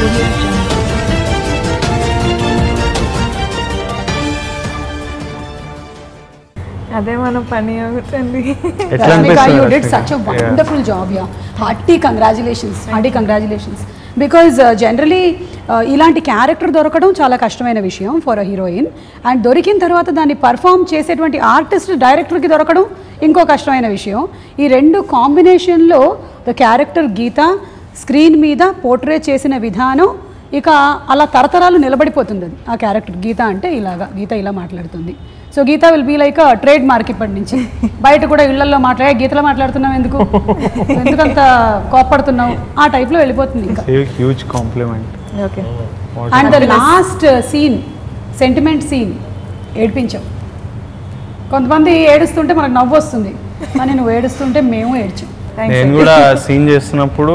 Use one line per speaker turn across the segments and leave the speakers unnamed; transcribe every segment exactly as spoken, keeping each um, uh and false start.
audio jungle.
అదే మన పని అవుతుంది.
Rashmika, you did such a wonderful yeah. job here. Hearty congratulations. Hearty congratulations. Because uh, generally ఇలాంటి character దొరకడం చాలా కష్టమైన విషయం ఫర్ అ హీరోయిన్. అండ్ దొరికిన తర్వాత దాన్ని పర్ఫామ్ చేసేటువంటి ఆర్టిస్ట్ డైరెక్టర్కి దొరకడం ఇంకో కష్టమైన విషయం. ఈ రెండు కాంబినేషన్లో ద క్యారెక్టర్ గీత స్క్రీన్ మీద పోర్ట్రే చేసిన విధానం ఇక అలా తరతరాలు నిలబడిపోతుంది. అది ఆ క్యారెక్టర్ గీత అంటే ఇలాగా, గీత ఇలా మాట్లాడుతుంది. So Geetha will be like trademark ఇప్పటి నుంచి. బయట కూడా ఇళ్లలో మాట్లాడే గీతలో మాట్లాడుతున్నావు ఎందుకు, ఎందుకంత కోప్పడుతున్నావు, ఆ టైప్లో వెళ్ళిపోతుంది ఇంకా.
Huge compliment.
Okay.
And the last scene, sentiment scene, ఏడ్పించావు. కొంతమంది ఏడుస్తుంటే మనకు నవ్వు వస్తుంది, కానీ నువ్వు ఏడుస్తుంటే మేము ఏడ్చాం.
నేను కూడా సీన్ చేస్తున్నప్పుడు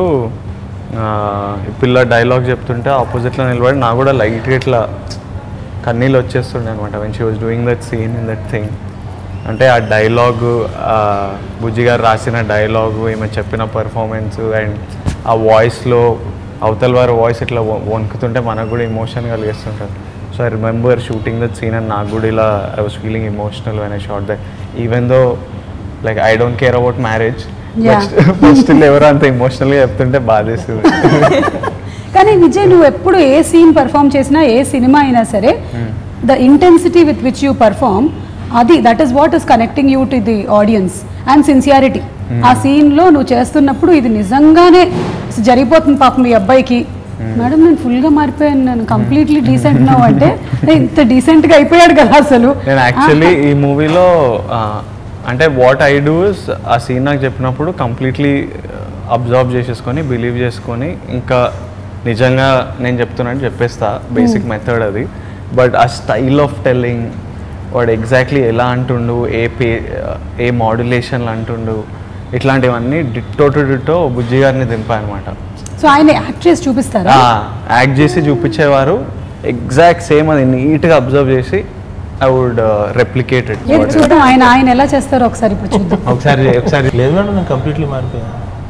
పిల్ల డైలాగ్ చెప్తుంటే ఆపోజిట్లో నిలబడి నాకు కూడా లైట్గా ఇట్లా కన్నీళ్ళు వచ్చేస్తుండే అనమాట when she was doing that scene in that thing. అంటే ఆ డైలాగు, బుజ్జి గారు రాసిన డైలాగు, ఈమె చెప్పిన పర్ఫార్మెన్స్ అండ్ ఆ వాయిస్లో అవతల వారి వాయిస్ ఇట్లా వణుకుతుంటే మనకు కూడా ఎమోషన్ కలిగిస్తుంటారు. So I remember shooting that scene and నాకు కూడా ఇలా I was feeling emotional when I shot that. Even though like I don't care about marriage, first ఎవరో అంత ఎమోషనల్గా చెప్తుంటే బాధేస్తుంది.
కానీ విజయ్, నువ్వు ఎప్పుడు ఏ సీన్ పర్ఫామ్ చేసినా, ఏ సినిమా అయినా సరే, the intensity with which you perform, అది that is what is connecting you to the audience. And sincerity. ఆ సీన్లో నువ్వు చేస్తున్నప్పుడు ఇది నిజంగానే జరిగిపోతుంది పాపం మీ అబ్బాయికి. మేడం నేను ఫుల్గా మారిపోయాను, నేను కంప్లీట్లీ డీసెంట్ నౌ అంటే ఇంత డీసెంట్గా అయిపోయాడు కదా అసలు.
నేను యాక్చువల్లీ ఈ మూవీలో అంటే వాట్ ఐ డూ ఇస్ ఆ సీన్ నాకు చెప్పినప్పుడు కంప్లీట్లీ అబ్జర్వ్ చేసేసుకొని బిలీవ్ చేసుకొని ఇంకా నిజంగా నేను చెప్తున్నాను చెప్పేస్తా. బేసిక్ మెథడ్ అది. బట్ ఆ స్టైల్ ఆఫ్ టెల్లింగ్, వాడు ఎగ్జాక్ట్లీ ఎలా అంటుండు, ఏ పే ఏ మాడ్యులేషన్లు అంటుండు, ఇట్లాంటివన్నీ డిట్టో టు డిట్టో బుజ్జి గారిని దింపా అనమాట.
సో ఆయన యాక్ట్ చేసి చూపిస్తారా?
యాక్ట్ చేసి చూపించేవారు. ఎగ్జాక్ట్ సేమ్ అది నీట్గా అబ్జర్వ్ చేసి ఐ వుడ్ రెప్లికేట్ ఇట్.
చూద్దాం ఆయన ఆయన ఎలా చేస్తారో ఒకసారి ఇప్పుడు చూద్దాం.
ఒకసారి ఒకసారి
లేదు మేడం నేను కంప్లీట్లీ మారిపోయా.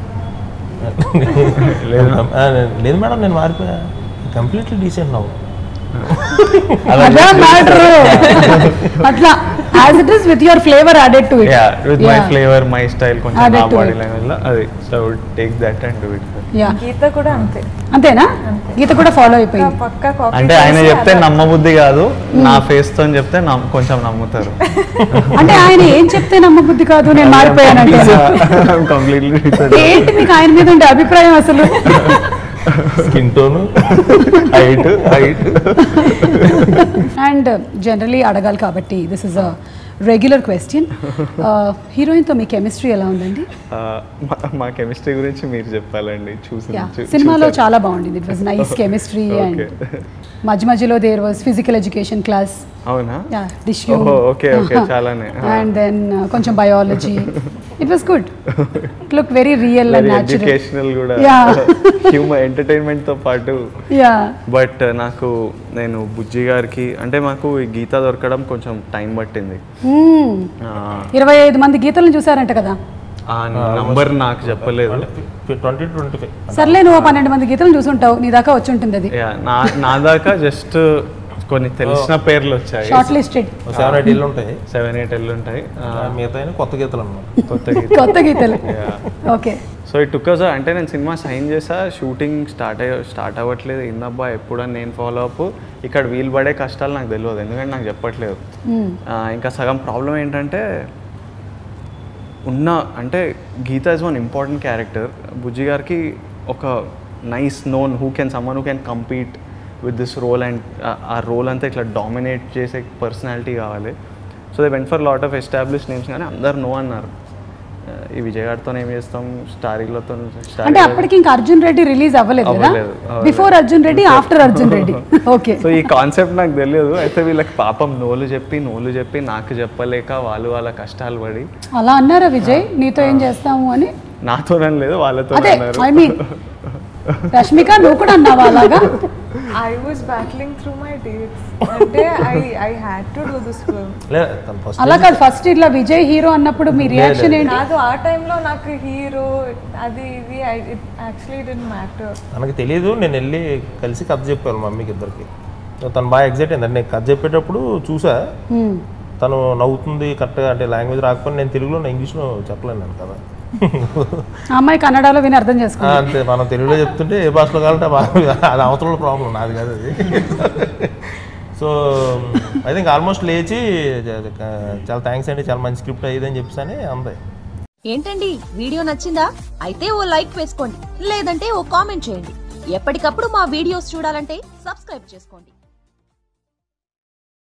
లేదు లేదు మేడం నేను మారిపోయా, కంప్లీట్లీ డీసెంట్ నవ్వు.
అదే మ్యాటర్. అట్లా as it is with your flavor added to it.
Yeah, with yeah. my flavor, my style, కొంచెం నా బాడీ లాంగ్వేజ్ అది. So I would take that and do it.
Yeah.
Geetha కూడా అంతే.
అంతేనా? గీత కూడా ఫాలో అయిపోయింది.
పక్కా కాపీ.
అంటే ఆయన చెప్తే నమ్మబుద్ధి కాదు, నా ఫేస్ తో చెప్తే కొంచెం నమ్ముతారు.
అంటే ఆయన ఏం చెప్తే నమ్మబుద్ధి కాదు, నేను మారిపోయానంటే
కంప్లీట్లీ.
ఏంటి మీకు ఆయన మీద ఉండే అభిప్రాయం అసలు?
Skin tone,
height height
and generally అడగాలి కాబట్టి this is a regular question. హీరోయిన్తో మీ కెమిస్ట్రీ ఎలా ఉందండి?
మా కెమిస్ట్రీ గురించి మీరు చెప్పాలండి. చూసి
సినిమాలో చాలా బాగుండింది. It was nice chemistry. And మధ్య మధ్యలో there was physical education class.
అవునా?
డిష్
ఓకే ఓకే చాలానే.
అండ్ దెన్ కొంచెం biology. It was good. It look very real and natural.
Educational కూడా, హ్యూమర్ ఎంటర్టైన్మెంట్ తో పాటు.
యా.
బట్ నాకు నేను బుజ్జి గారికి అంటే మాకు ఈ గీత దొరకడం కొంచెం టైం పట్టింది.
ఇరవై ఐదు మంది గీతలను చూసారంట కదా?
ఆ నంబర్ నాకు చెప్పలేదు.
ట్వంటీ ట్వంటీ ఫైవ్
సర్లే, నువ్వు పన్నెండు మంది గీతలను చూసుంటావు, నీ దాకా వచ్చి ఉంటుంది అది.
నా దాకా జస్ట్ కొన్ని తెలిసిన పేర్లు వచ్చాయి.
షార్ట్ లిస్టెడ్
సెవెన్ ఎయిట్ ఇల్లు ఉంటాయి.
సెవెన్ ఎయిట్ ఇల్లు ఉంటాయి.
మిగతా కొత్త గీతలు అన్నమాట.
కొత్త గీతలు
కొత్త గీతలు. Okay.
So it took us అంటే నేను సినిమా సైన్ చేసా, షూటింగ్ స్టార్ట్ అయ్యి స్టార్ట్ అవ్వట్లేదు. ఇందబ్బా ఎప్పుడని నేను ఫాలో అప్. ఇక్కడ వీలు పడే కష్టాలు నాకు తెలియదు, ఎందుకంటే నాకు చెప్పట్లేదు. ఇంకా సగం ప్రాబ్లం ఏంటంటే ఉన్న అంటే Geetha is one important character. Bujji గారికి ఒక nice known who can someone who can compete with this role and ఆ రోల్ అంతా ఇట్లా డామినేట్ చేసే పర్సనాలిటీ కావాలి. So they went for lot of establish names, కానీ అందరు నో అన్నారు. ఈ విజయ్ గారితో ఏం చేస్తాం, స్టారీలతో.
అంటే అప్పటికి ఇంకా అర్జున్ రెడ్డి రిలీజ్ అవ్వలేదు కదా? Before Arjun Reddy, after Arjun Reddy. Okay.
So ఈ కాన్సెప్ట్ నాకు తెలియదు. అయితే వీళ్ళకి పాపం నోలు చెప్పి నోలు చెప్పి నాకు చెప్పలేక వాళ్ళు వాళ్ళ కష్టాలు పడి
అలా అన్నారా విజయ్ నీతో ఏం చేస్తాము అని?
నాతో లేదు, వాళ్ళతో అన్నారు.
ఐ మీన్ రష్మిక, నువ్వు కూడా అన్నావా అలాగా?
I was battling through my dates. అంటే I I had to do this film.
లేదు తను ఫస్ట్
అలా కాదు, ఫస్ట్ ఇట్లా విజయ్ హీరో అన్నప్పుడు మీ రియాక్షన్ ఏంటి?
కాదు ఆ టైంలో నాకు హీరో అది ఇది ఇట్ యాక్చువల్లీ డిడ్ంట్ మ్యాటర్.
తనకి తెలియదు, నేను వెళ్ళి కలిసి కథ చెప్పాను మమ్మీకి ఇద్దరికి. తను బాగా ఎగ్జైట్ అయింది. నేను కథ చెప్పేటప్పుడు చూసా తను నవ్వుతుంది కరెక్ట్గా, అంటే లాంగ్వేజ్ రాకపోతే నేను తెలుగులో నేను ఇంగ్లీష్లో చెప్పలేను నేను కదా.
అమ్మాయి కన్నడలో విని అర్థం చేసుకో.
అంతే, మనం తెలుగులో చెప్తుంటే ఏ భాషలో కావాలంటే అది అవతల ప్రాబ్లం, నాది కాదు అది. సో ఐ థింక్ ఆల్మోస్ట్ లేచి చాలా థ్యాంక్స్ అండి, చాలా మంచి స్క్రిప్ట్ అయ్యిందని చెప్పేసి అందే.
ఏంటండి వీడియో నచ్చిందా? అయితే ఓ లైక్ వేసుకోండి, లేదంటే ఓ కామెంట్ చేయండి. ఎప్పటికప్పుడు మా వీడియోస్ చూడాలంటే సబ్స్క్రైబ్ చేసుకోండి.